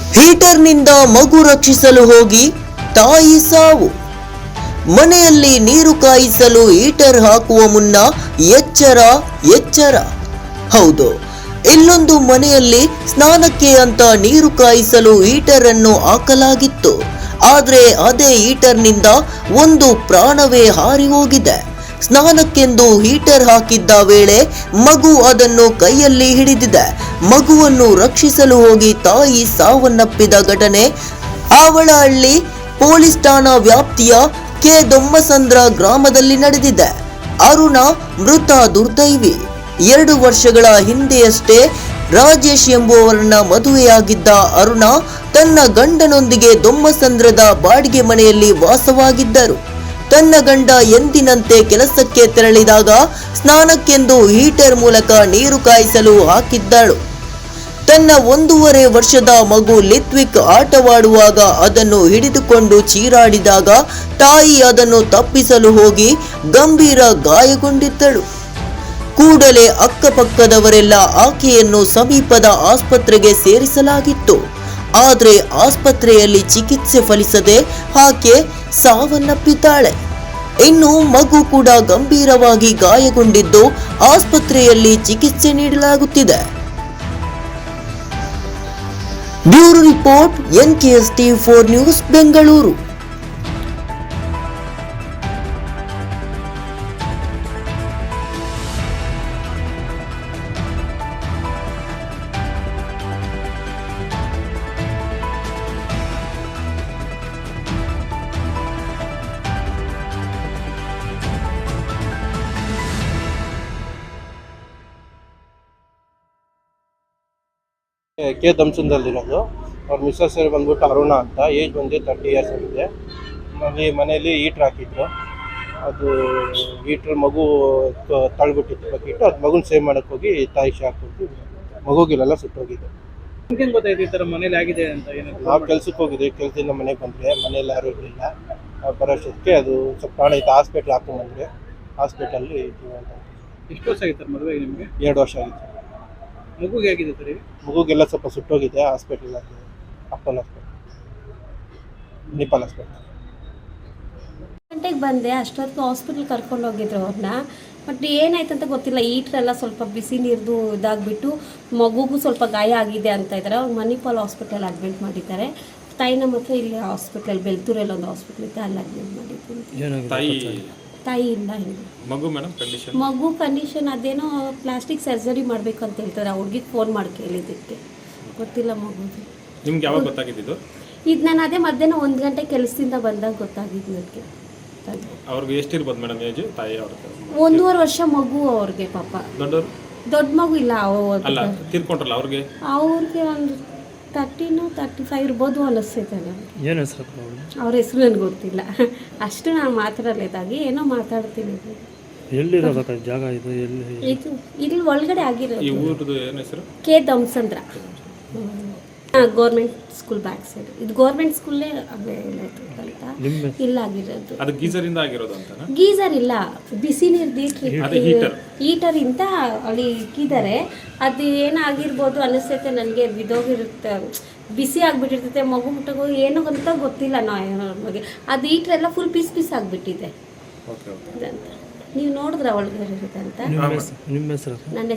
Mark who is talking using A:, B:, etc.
A: ಹೀಟರ್ನಿಂದ ಮಗು ರಕ್ಷಿಸಲು ಹೋಗಿ ತಾಯಿ ಸಾವು. ಮನೆಯಲ್ಲಿ ನೀರು ಕಾಯಿಸಲು ಹೀಟರ್ ಹಾಕುವ ಮುನ್ನ ಎಚ್ಚರ ಎಚ್ಚರ. ಹೌದು, ಇಲ್ಲೊಂದು ಮನೆಯಲ್ಲಿ ಸ್ನಾನಕ್ಕೆ ಅಂತ ನೀರು ಕಾಯಿಸಲು ಹೀಟರ್ ಅನ್ನು ಹಾಕಲಾಗಿತ್ತು. ಆದರೆ ಅದೇ ಹೀಟರ್ನಿಂದ ಒಂದು ಪ್ರಾಣವೇ ಹಾರಿ ಹೋಗಿದೆ. ಸ್ನಾನಕ್ಕೆಂದು ಹೀಟರ್ ಹಾಕಿದ್ದ ವೇಳೆ ಮಗು ಅದನ್ನು ಕೈಯಲ್ಲಿ ಹಿಡಿದಿದೆ. ಮಗುವನ್ನು ರಕ್ಷಿಸಲು ಹೋಗಿ ತಾಯಿ ಸಾವನ್ನಪ್ಪಿದ ಘಟನೆ ಆವಳಹಳ್ಳಿ ಪೊಲೀಸ್ ಠಾಣಾ ವ್ಯಾಪ್ತಿಯ ಕೆ ದೊಮ್ಮಸಂದ್ರ ಗ್ರಾಮದಲ್ಲಿ ನಡೆದಿದೆ. ಅರುಣ ಮೃತ ದುರ್ದೈವಿ. 2 ವರ್ಷಗಳ ಹಿಂದೆಯಷ್ಟೇ ರಾಜೇಶ್ ಎಂಬುವವರನ್ನ ಮದುವೆಯಾಗಿದ್ದ ಅರುಣ ತನ್ನ ಗಂಡನೊಂದಿಗೆ ದೊಮ್ಮಸಂದ್ರದ ಬಾಡಿಗೆ ಮನೆಯಲ್ಲಿ ವಾಸವಾಗಿದ್ದರು. ತನ್ನ ಗಂಡ ಎಂದಿನಂತೆ ಕೆಲಸಕ್ಕೆ ತೆರಳಿದಾಗ ಸ್ನಾನಕ್ಕೆಂದು ಹೀಟರ್ ಮೂಲಕ ನೀರು ಕಾಯಿಸಲು ಹಾಕಿದ್ದಳು. ತನ್ನ 1.5 ವರ್ಷದ ಮಗು ಲಿತ್ವಿಕ್ ಆಟವಾಡುವಾಗ ಅದನ್ನು ಹಿಡಿದುಕೊಂಡು ಚೀರಾಡಿದಾಗ ತಾಯಿ ಅದನ್ನು ತಪ್ಪಿಸಲು ಹೋಗಿ ಗಂಭೀರ ಗಾಯಗೊಂಡಿದ್ದಳು. ಕೂಡಲೇ ಅಕ್ಕಪಕ್ಕದವರೆಲ್ಲ ಆಕೆಯನ್ನು ಸಮೀಪದ ಆಸ್ಪತ್ರೆಗೆ ಸೇರಿಸಲಾಗಿತ್ತು. ಆದರೆ ಆಸ್ಪತ್ರೆಯಲ್ಲಿ ಚಿಕಿತ್ಸೆ ಫಲಿಸದೆ ಆಕೆ ಸಾವನ್ನಪ್ಪಿದ್ದಾಳೆ. ಇನ್ನು ಮಗು ಕೂಡ ಗಂಭೀರವಾಗಿ ಗಾಯಗೊಂಡಿದ್ದು ಆಸ್ಪತ್ರೆಯಲ್ಲಿ ಚಿಕಿತ್ಸೆ ನೀಡಲಾಗುತ್ತಿದೆ. Bureau report NKS TV4 news Bengaluru.
B: K ದೊಮ್ಮಸಂದ್ರದಲ್ಲಿರೋದು. ಅವ್ರ ಮಿಸ್ಸಸ್ ಬಂದ್ಬಿಟ್ಟು ಅರುಣ ಅಂತ, ಏಜ್ ಬಂದು 30 ಇಯರ್ಸ್ ಆಗಿದೆ. ಮನೆಯಲ್ಲಿ ಹೀಟ್ರ್ ಹಾಕಿದ್ರು. ಅದು ಹೀಟ್ರ್ ಮಗು ತಳ್ಬಿಟ್ಟಿತ್ತು ಬಕೆಟ್. ಅದು ಮಗುನ ಸೇವ್ ಮಾಡೋಕ್ಕೆ ಹೋಗಿ ತಾಯಿ ಶಾಕ್ ಕೊಟ್ಟು ಮಗುಗಿಲೆಲ್ಲ ಸುಟ್ಟೋಗಿದೆ.
C: ನಿಮ್ಗೆ ಗೊತ್ತಾಯ್ತು ಈ ಥರ ಮನೇಲಿ ಆಗಿದೆ ಅಂತ?
B: ನಾವು ಕೆಲ್ಸಕ್ಕೆ ಹೋಗಿದ್ವಿ. ಕೆಲಸದಿಂದ ಮನೆಗೆ ಬಂದರೆ ಮನೇಲಿ ಯಾರೂ ಇರಲಿಲ್ಲ. ಬರೋಷ್ಟೊತ್ತಿಗೆ ಅದು ಸ್ವಲ್ಪ ಪ್ರಾಣ ಇತ್ತು. ಹಾಸ್ಪಿಟ್ಲ್ ಹಾಕೊಂಡ್ಬಂದ್ರೆ ಹಾಸ್ಪಿಟಲ್ಲಿ
C: ಎಷ್ಟು ವರ್ಷ ಆಗಿತ್ತು ಮದುವೆಗೆ ನಿಮಗೆ?
B: 2 ವರ್ಷ ಆಗಿತ್ತು.
C: ಮಗುಗೆ ಆಗಿದೆ ಸರಿ?
B: ಮಗುಗೆಲ್ಲ ಸ್ವಲ್ಪ ಸುಟ್ಟೋಗಿದೆ. ಹಾಸ್ಪಿಟಲ್ ಅಪ್ಪನ ಹಾಸ್ಪಿಟಲ್, ನಿಪಾಲ್ ಹಾಸ್ಪಿಟಲ್.
D: ಗಂಟೆಗೆ ಬಂದೆ. ಅಷ್ಟೊತ್ತಿಗೆ ಹಾಸ್ಪಿಟ್ಲ್ ಕರ್ಕೊಂಡು ಹೋಗಿದ್ರು ಅವ್ರನ್ನ. ಬಟ್ ಏನಾಯ್ತು ಅಂತ ಗೊತ್ತಿಲ್ಲ. ಹೀಟ್ರೆಲ್ಲ ಸ್ವಲ್ಪ ಬಿಸಿ ನೀರ್ದು ಇದಾಗಿಬಿಟ್ಟು ಮಗುಗೂ ಸ್ವಲ್ಪ ಗಾಯ ಆಗಿದೆ ಅಂತ ಇದ್ದಾರೆ. ಅವ್ರು ಮಣಿಪಾಲ್ ಹಾಸ್ಪಿಟಲ್ ಅಡ್ಮಿಟ್ ಮಾಡಿದ್ದಾರೆ. ತಾಯಿನ ಮಾತ್ರ ಇಲ್ಲಿ ಹಾಸ್ಪಿಟಲ್ ಬೆಳ್ತೂರಲ್ಲಿ ಒಂದು ಹಾಸ್ಪಿಟ್ಲ್ ಇತ್ತು, ಅಲ್ಲಿ ಅಡ್ಮಿಟ್ ಮಾಡಿದ್ದೀನಿ. ತಾಯಿ ಇಲ್ಲ. ಮಗು ಕಂಡೀಷನ್ ಅದೇನೋ ಪ್ಲಾಸ್ಟಿಕ್ ಸರ್ಜರಿ ಮಾಡಬೇಕು ಅಂತ ಹೇಳ್ತಾರೆ. ಹುಡುಗಿಗೆ ಫೋನ್ ಮಾಡಿ ಕೇಳಿದ್ದಕ್ಕೆ ಗೊತ್ತಿಲ್ಲ ಮಗುದು.
E: ನಿಮ್ಗೆ ಯಾವಾಗ ಗೊತ್ತಾಗಿದ್ದು?
D: ಇದು ನಾನು ಅದೇ ಮಧ್ಯಾಹ್ನ 1 ಗಂಟೆ ಕೆಲಸದಿಂದ ಬಂದಾಗ ಗೊತ್ತಾಗಿದ್ದು ನನಗೆ.
E: ಅವ್ರಿಗೆ ಎಷ್ಟಿರ್ಬೋದು ಮೇಡಮ್ ಏಜ್? ತಾಯಿ ಅವ್ರಿಗೆ
D: 1.5 ವರ್ಷ ಮಗು ಅವ್ರಿಗೆ. ಪಾಪ ದೊಡ್ಡ ಮಗು ಇಲ್ಲ.
E: ಅಲ್ಲ, ತೀರ್ಕೊಂಡ್ರಲ್ಲ ಅವ್ರಿಗೆ
D: ಒಂದು 30-35 ಇರ್ಬೋದು ಅನ್ನಿಸ್ತೈತೆ ನನಗೆ.
E: ಏನು ಹೆಸರು
D: ಅವ್ರ ಹೆಸರು ನನಗೆ ಗೊತ್ತಿಲ್ಲ. ಅಷ್ಟು ನಾನು ಮಾತಾಡಲೇದಾಗಿ ಏನೋ ಮಾತಾಡ್ತೀನಿ.
E: ಎಲ್ಲಿರೋದು ಜಾಗ ಇದು?
D: ಇದು ಇಲ್ಲಿ ಒಳಗಡೆ ಆಗಿರೋದು.
E: ಈ ಊರದ್ದು ಏನು ಹೆಸರು?
D: K Dommasandra. Government school back side. ಇದು ಗೌರ್ಮೆಂಟ್ ಸ್ಕೂಲೇ ಅಂತ ಇಲ್ಲ ಆಗಿರೋದು.
E: ಅದು ಗೀಸರ್ ಇಂದ ಆಗಿರೋದು ಅಂತ?
D: ಗೀಸರ್ ಇಲ್ಲ, ಬಿಸಿ ನೀರು ಹೀಟರ್ ಇಂದ ಅಲ್ಲಿ ಇಕ್ಕಿದ್ದಾರೆ. ಅದು ಏನಾಗಿರ್ಬೋದು ಅನ್ನಿಸ್ತೈತೆ ನನಗೆ. ಬಿದೋಗಿರುತ್ತೆ, ಬಿಸಿ ಆಗಿಬಿಟ್ಟಿರ್ತೈತೆ. ಮಗು ಮುಟ್ಟಗೋ ಏನೋ ಅಂತ ಗೊತ್ತಿಲ್ಲ ನಮಗೆ. ಅದು ಹೀಟರ್ ಎಲ್ಲ ಫುಲ್ ಪೀಸ್ ಆಗಿಬಿಟ್ಟಿದೆ. ನೀವು ನೋಡಿದ್ರ ಒಳಗಡೆ ಇರುತ್ತೆ ಅಂತ?
E: ನಿಮ್ಮ ಹೆಸರು?
D: ನನ್ನ